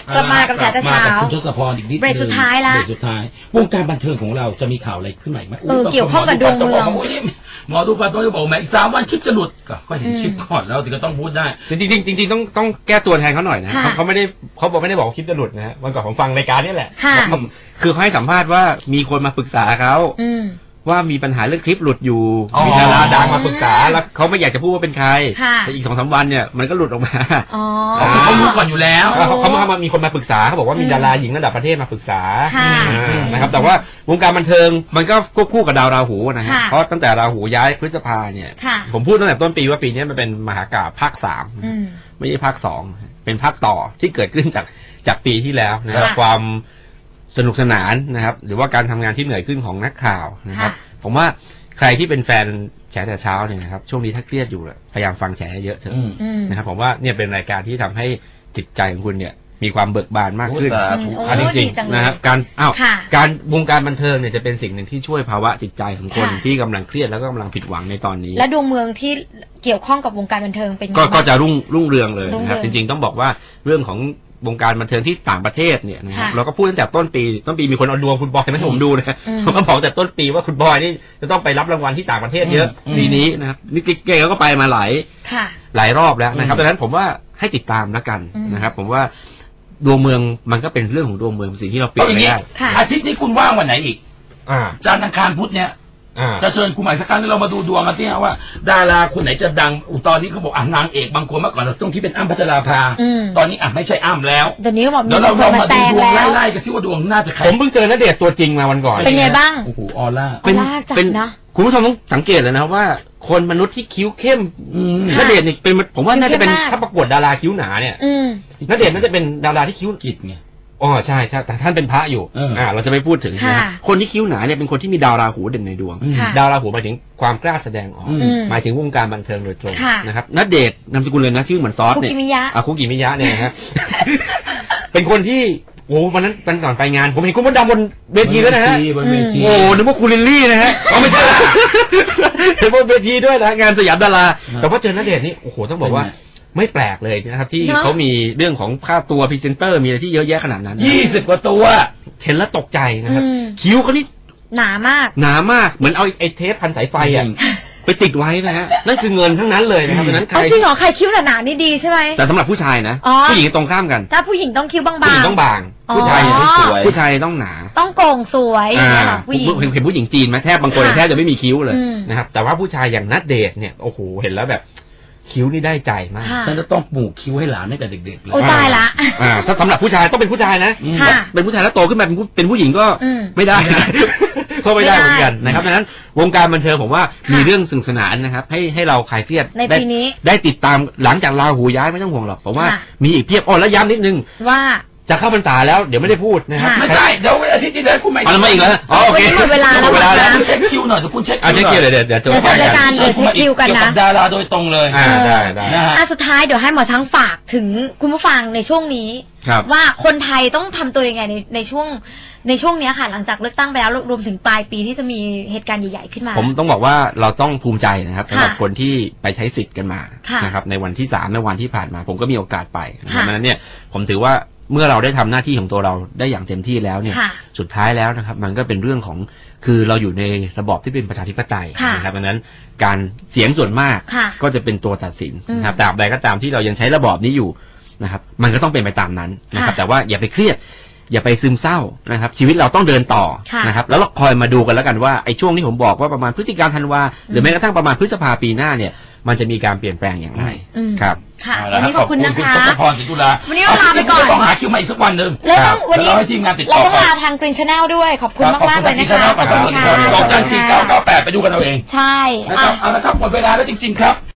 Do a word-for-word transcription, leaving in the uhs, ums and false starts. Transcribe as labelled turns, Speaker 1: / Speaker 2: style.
Speaker 1: กลับมากับแฉแต่เช้า
Speaker 2: คุณทศพรอีกนิดนึง
Speaker 1: เบรกสุดท้ายละ
Speaker 2: เบรกสุดท้ายวงการบันเทิงของเราจะมีข่าวอะไรขึ้นใหม่ไหม
Speaker 1: เออเกี่ยวข้องกับดวงเมือง
Speaker 2: หมอดูฟันต้องจะบอกแม่อีกสามวันคลิปจะหลุดก็เห็นคลิปก่อนแล้วถึงก็ต้องพูดได้
Speaker 3: จริงจริงจริงต้องต้องแก้ตัวแทนเขาหน่อยนะเขาไม่ได้เขาบอกไม่ได้บอกคลิปจะหลุดนะวันก่อนผมฟังรายการนี่แหละคือเขาให้สัมภาษณ์ว่ามีคนมาปรึกษาเขาว่ามีปัญหาเรื่องคลิปหลุดอยู่มีดาราดังมาปรึกษาแล้วเขาไม่อยากจะพูดว่าเป็นใครแต่อีกสองสามวันเนี่ยมันก็หลุดออกมา
Speaker 2: เขารู้ก่อนอยู่แล้ว
Speaker 3: เขามามีคนมาปรึกษาเขาบอกว่ามีดาราหญิงระดับประเทศมาปรึกษานะครับแต่ว่าวงการบันเทิงมันก็ควบคู่กับดาวราหูนะฮะเพราะตั้งแต่ราหูย้ายพฤษภาเนี่ยผมพูดตั้งแต่ต้นปีว่าปีนี้มันเป็นมหากาพย์ภาคสามไม่ใช่ภาคสองเป็นภาคต่อที่เกิดขึ้นจากจากปีที่แล้วนะครับความสนุกสนานนะครับหรือว่าการทำงานที่เหนื่อยขึ้นของนักข่าวนะครับผมว่าใครที่เป็นแฟนแฉแต่เช้าเนี่ยนะครับช่วงนี้ถ้าเครียดอยู่พยายามฟังแฉเยอะเถอะนะครับผมว่าเนี่ยเป็นรายการที่ทำให้จิตใจของคุณเนี่ยมีความเบิกบานมากขึ้นอันจริงๆนะครับการอ้าวการวงการบันเทิงเนี่ยจะเป็นสิ่งหนึ่งที่ช่วยภาวะจิตใจของคนที่กำลังเครียดแล้วก็กำลังผิดหวังในตอนนี้
Speaker 1: และดวงเมืองที่เกี่ยวข้องกับวงการบันเทิงเป็น
Speaker 3: ก็จะรุ่งรุ่งเรืองเลยนะครับจริงๆต้องบอกว่าเรื่องของวงการบันเทิงที่ต่างประเทศเนี่ยนะครับเราก็พูดตั้งแต่ต้นปีต้นปีมีคนเอาดวงคุณบอยมาให้ผมดูนะเขาก็บอกแต่ต้นปีว่าคุณบอยนี่จะต้องไปรับรางวัลที่ต่างประเทศเยอะปีนี้นะครับนี่เก่งก็ไปมาหลายหลายรอบแล้วนะครับดังนั้นผมว่าให้ติดตามแล้วกันนะครับผมว่าดวงเมืองมันก็เป็นเรื่องของดวงเมืองสิ่งที่เราเปลี่ยนไม่ได้
Speaker 2: อาทิตย์นี้คุณว่างวันไหนอีกจันทร์อังคารพุธเนี่ยจะเชิญคุณใหม่สักครั้งที่เรามาดูดวงกันที่ว่าดาราคนไหนจะดังตอนนี้เขาบอกอ่ะนางเอกบางคนเมื่อก่อนเราต้องที่เป็นอ้ำพัชราภาตอนนี้อ่ะไม่ใช่อ้ำแล้ว
Speaker 1: เดี๋ยวนี้บอก
Speaker 2: เดี๋ยวเราเรามาดูดวงไล่ๆกันซิว่าดวงน่าจะใคร
Speaker 3: ผมเพิ่งเจอณเดชน์ตัวจริงมาวันก่อน
Speaker 1: เป็นไงบ้าง
Speaker 2: โอ้โหออร่า
Speaker 1: เป็นเป็นนะ
Speaker 3: คุณผู้ชมต้องสังเกตเลยนะว่าคนมนุษย์ที่คิ้วเข้มณเดชน์นี่เป็นผมว่าน่าจะเป็นถ้าประกวดดาราคิ้วหนาเนี่ยณเดชน์น่าจะเป็นดาราที่คิ้ว
Speaker 2: กิจไง
Speaker 3: อ๋อใช่ใช่แต่ท่านเป็นพระอยู่อ่าเราจะไม่พูดถึงนะคนที่คิ้วหนาเนี่ยเป็นคนที่มีดาวราหูเด่นในดวงดาวราหูหมายถึงความกล้าแสดงออกหมายถึงวงการบันเทิงโดยตรงนะครับณเดชน์นามสกุลเลยนะชื่อเหมือนซอสเนี่ยอ่ะคุกิมิยะเนี่ยนะฮะเป็นคนที่โอ้วันนั้นวันก่อนไปงานผมเห็นคุณมดดำบนเวทีแล้วนะฮะโอ้นึกว่าคุณลิลลี่นะฮะอ๋อไม่ใช่เห็นบนเวทีด้วยนะงานสยามดาราแต่ว่าเจอณเดชน์นี่โอ้โหต้องบอกว่าไม่แปลกเลยนะครับที่เขามีเรื่องของค่าตัวพรีเซนเตอร์มีอะไรที่เยอะแยะขนาดนั้น
Speaker 2: ยี่สิบกว่าตัว
Speaker 3: เห็นแล้วตกใจนะครับคิ้วเขานี่
Speaker 1: หนามาก
Speaker 3: หนามากเหมือนเอาไอ้เทปพันสายไฟอ่ะไปติดไว้นะฮะนั่นคือเงินทั้งนั้นเลยนะครับดังนั้นใคร
Speaker 1: จริงเหรอใครคิ้วหนาๆนี่ดีใช่ไหม
Speaker 3: แต่สำหรับผู้ชายนะผู้หญิงตรงข้ามกัน
Speaker 1: ถ้าผู้หญิงต้องคิ้วบางๆ
Speaker 3: ผู้หญิงต้องบางผู้ชายต้องสวยผู้ชายต้องหนา
Speaker 1: ต้องโก่งสวย
Speaker 3: ผู้หญิงเห็นผู้หญิงจีนไหมแทบบางคนแทบจะไม่มีคิ้วเลยนะครับแต่ว่าผู้ชายอย่างณเดชน์เนี่ยโอ้โหเห็นแล้วแบบคิ้วนี่ได้ใจมาก
Speaker 2: ฉันจะต้องปลูกคิ้วให้หลานให้กับเด็กๆเลย
Speaker 1: โอ้ตายละ
Speaker 3: อ่าถ้าสำหรับผู้ชายต้องเป็นผู้ชายนะเป็นผู้ชายแล้วโตขึ้นมาเป็นผู้เป็นผู้หญิงก็ไม่ได้ก็ไม่ได้เหมือนกันนะครับดังนั้นวงการบันเทิงผมว่ามีเรื่องสนุกสนานนะครับให้ให้เราคลายเครียด
Speaker 1: ในปีนี้
Speaker 3: ได้ติดตามหลังจากราหูย้ายไม่ต้องห่วงหรอกเพราะว่ามีอีกเพียบอ๋อแล้วย้ำนิดนึง
Speaker 1: ว่า
Speaker 3: จะเข้าพรรษาแล้วเดี๋ยวไม่ได้พูดนะครับ
Speaker 2: ไม่ได้เดี๋ยวอาทิตย์นี้เดี๋ยวคุณไม่
Speaker 3: เอามาอีกแล้วอ๋อโอเค
Speaker 1: หมดเวลาแล้วหมดเวลาแล้ว
Speaker 2: คุณเช็คคิวหน่อยเดี๋ยวคุณเช็ค
Speaker 3: คิวหน่อยเดี๋ยวเดี๋ยวเดี๋ยวจะ
Speaker 1: รายการเดี๋ยวเช็คคิวกันนะ
Speaker 2: ดาราโดยตรงเลย
Speaker 3: อ่าได้ได้
Speaker 1: อ่ะสุดท้ายเดี๋ยวให้หมอช้างฝากถึงคุณผู้ฟังในช่วงนี้ว่าคนไทยต้องทำตัวยังไงในในช่วงในช่วงนี้ค่ะหลังจากเลือกตั้งไปแล้วรวมถึงปลายปีที่จะมีเหตุการณ์ใหญ่ๆขึ้นมา
Speaker 3: ผมต้องบอกว่าเราต้องภูมิใจนะครับสำหรับคนที่ไปใช้สิทธิ์กันมานะครับในวันที่สามในวันที่ผ่านมาผมก็มีโอกาสไปเพราะฉะนั้นเนี่ยผมถือว่าเมื่อเราได้ทำหน้าที่ของตัวเราได้อย่างเต็มที่แล้วเนี่ยสุดท้ายแล้วนะครับมันก็เป็นเรื่องของคือเราอยู่ในระบอบที่เป็นประชาธิปไตยนะครับดังนั้นการเสียงส่วนมากก็จะเป็นตัวตัดสินนะครับแต่ใดก็ตามที่เรายังใช้ระบอบนี้อยู่นะครับมันก็ต้องเป็นไปตามนั้นนะครับแต่ว่าอย่าไปเครียดอย่าไปซึมเศร้านะครับชีวิตเราต้องเดินต่อนะครับแล้วเราคอยมาดูกันแล้วกันว่าไอ้ช่วงที่ผมบอกว่าประมาณพฤศจิกาธันวาหรือแม้กระทั่งประมาณพฤษภาปีหน้าเนี่ยมันจะมีการเปลี่ยนแปลงอย่างไรครับ
Speaker 1: ค่ะวันนี้ขอบคุณนะคะ
Speaker 2: คุณทศพรศรีตุลา
Speaker 1: วันนี้เราลาไปก่อน
Speaker 2: ต้องหาคิวมาอีกสักวันหนึ่ง
Speaker 1: แล้วต้องวันนี้
Speaker 2: ให้ทีมงานติดต่อ
Speaker 1: เราต้องลาทาง Green Channel ด้วยขอบคุณมากๆเลยนะคะ
Speaker 2: ขอบคุณค่ะดอกจันสี่เก้าเก้าแปดไปดูกันเอาเอง
Speaker 1: ใช่
Speaker 2: เอาละครับหมดเวลาแล้วจริงๆครับ